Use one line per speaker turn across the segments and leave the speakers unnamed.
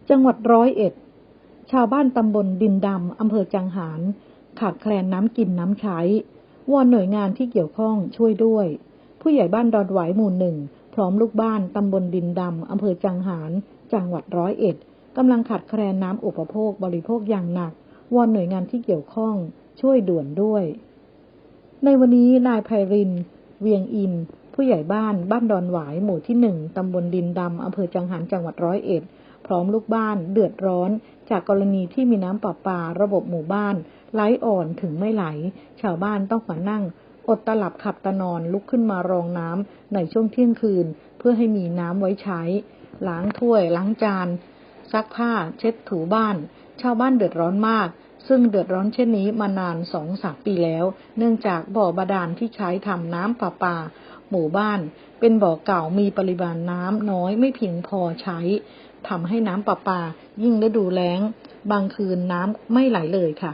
จังหวัด101ชาวบ้านตำบลดินดำอำเภอจังหารขาดแคลนน้ำกินน้ำใช้วอนหน่วยงานที่เกี่ยวข้องช่วยด้วยผู้ใหญ่บ้านดอนหวายหมู่ 1พร้อมลูกบ้านตำบลดินดำอำเภอจังหารจังหวัด101กำลังขาดแคลนน้ำอุปโภคบริโภคอย่างหนักวอนหน่วยงานที่เกี่ยวข้องช่วยด่วนด้วยในวันนี้นายไพรินทร์เวียงอินผู้ใหญ่บ้านดอนหวายหมู่ที่ 1ตำบลดินดำอำเภอจังหารจังหวัด101พร้อมลูกบ้านเดือดร้อนจากกรณีที่มีน้ำประปาระบบหมู่บ้านไหลอ่อนถึงไม่ไหลชาวบ้านต้องมานั่งอดตาหลับขับตานอนลุกขึ้นมารองน้ำในช่วงเที่ยงคืนเพื่อให้มีน้ำไว้ใช้ล้างถ้วยล้างจานซักผ้าเช็ดถูบ้านชาวบ้านเดือดร้อนมากซึ่งเดือดร้อนเช่นนี้มานาน 2-3 ปีแล้วเนื่องจากบ่อบาดาลที่ใช้ทำน้ำประปาหมู่บ้านเป็นบ่อเก่ามีปริมาณน้ำน้อยไม่เพียงพอใช้ทำให้น้ำประปายิ่งฤดูแล้งบางคืนน้ำไม่ไหลเลยค่ะ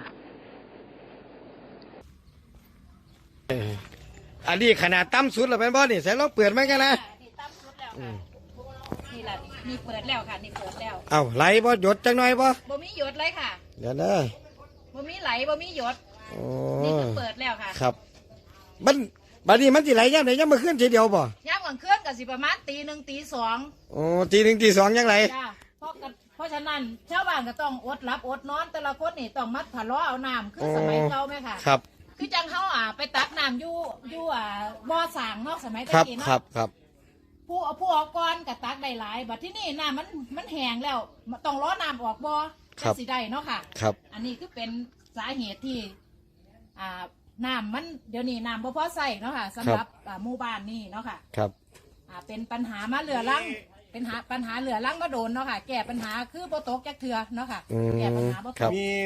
อันนี้ขนาดต่ำสุดแล้วเป็นบ่นี่ใส่ลองเปิดไหมกันนะ
นี่ต่ำสุดแล้วค่ะนี่แหละนี่เปิดแล้วค่ะนี่เปิดแล้ว
เอาไหลบ่หยดจังหน่อยบ่
มีหยดเลยค่ะ
เดี๋ยวนะ
บ่มีไหลบ่มีหยด
โอ้
นี่คือเปิดแล้วค่ะ
ครับมันบัดนี้มันสิไหลยามไหนยามมื้อคืนทีเดียวบ่
ยามกลางคืนก็สิประมาณตี 1 ตี 2
โอ้ตี 1 ตี 2ยังไหล
จ้าเพราะฉะนั้นชาวบ้านก็ต้องอดหลับอดนอนแต่ละคนนี่ต้องมัดผ้าล้อเอาน้ำคือสมัยเก่าไหมค่ะ
ครับ
คือจังเขาไปตักน้ำอยู่บ่อสางเนาะสมัยตะกี้เนาะ
ครับ
ผู้เอาก้อนกับตักได้หลายบัดที่นี่น้ำมันแห้งแล้วต้องล้อน้ำออกบ่อสิได้เนาะค่ะ
ครับ
อันนี้คือเป็นสาเหตุที่น้ำมันเดี๋ยวนี้น้ำบ่พอใส่เนาะค่ะสำหรับหมู่บ้านนี่เนาะค่ะ
ครับ
เป็นปัญหามาเหลือลังเป็นปัญหาเหลือลังมาโดนเนาะค่ะแก้ปัญหาคือบ่ตกจักเทือเนาะค่ะแก้ปัญหาบ่ตก
มี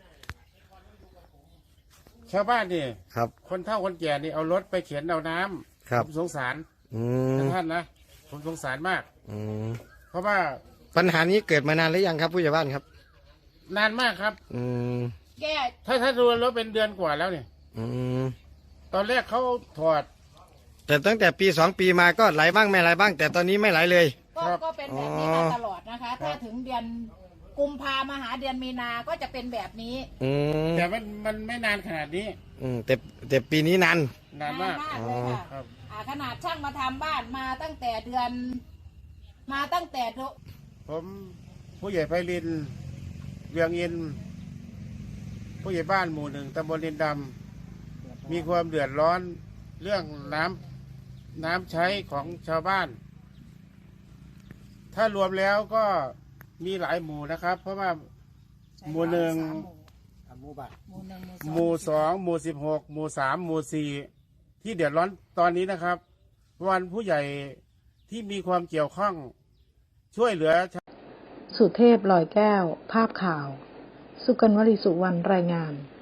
ชาวบ้านนี่
ครับ
คนเฒ่าคนแก่นี่เอารถไปเข็นเอาน้ำผมสงสารท่านนะผมสงสารมากเพราะว่า
ปัญหานี้เกิดมานานหรือยังครับผู้ใหญ่บ้านครับ
นานมากครับ
แก้
ถ้าดูรถเป็นเดือนกว่าแล้วเนี่ยตอนแรกเขาถอด
แต่ตั้งแต่ปี2 ปีมาก็ไหลบ้างไม่ไหลบ้างแต่ตอนนี้ไม่ไหลเลย
ก็เป็นแบบนี้มาตลอดนะคะถ้าถึงเดือนกุมภามาหาเดือนมีนาก็จะเป็นแบบนี้
แต่มันไม่นานขนาดนี้
แต่ปีนี้นาน
มาก
เลยค่ะขนาดช่างมาทำบ้านมาตั้งแต่เดือน
ผมผู้ใหญ่ไพรินทร์เวียงอินผู้ใหญ่บ้านหมู่ 1ตำบลดินดำมีความเดือดร้อนเรื่องน้ำใช้ของชาวบ้านถ้ารวมแล้วก็มีหลายหมู่นะครับเพราะว่าหมู่ 1หมู่ 2หมู่ 16หมู่ 3หมู่ 4ที่เดือดร้อนตอนนี้นะครับวันผู้ใหญ่ที่มีความเกี่ยวข้องช่วยเหลือ
สุเทพลอยแก้วภาพข่าวสุกัญญ์ วลีสุวรรณรายงาน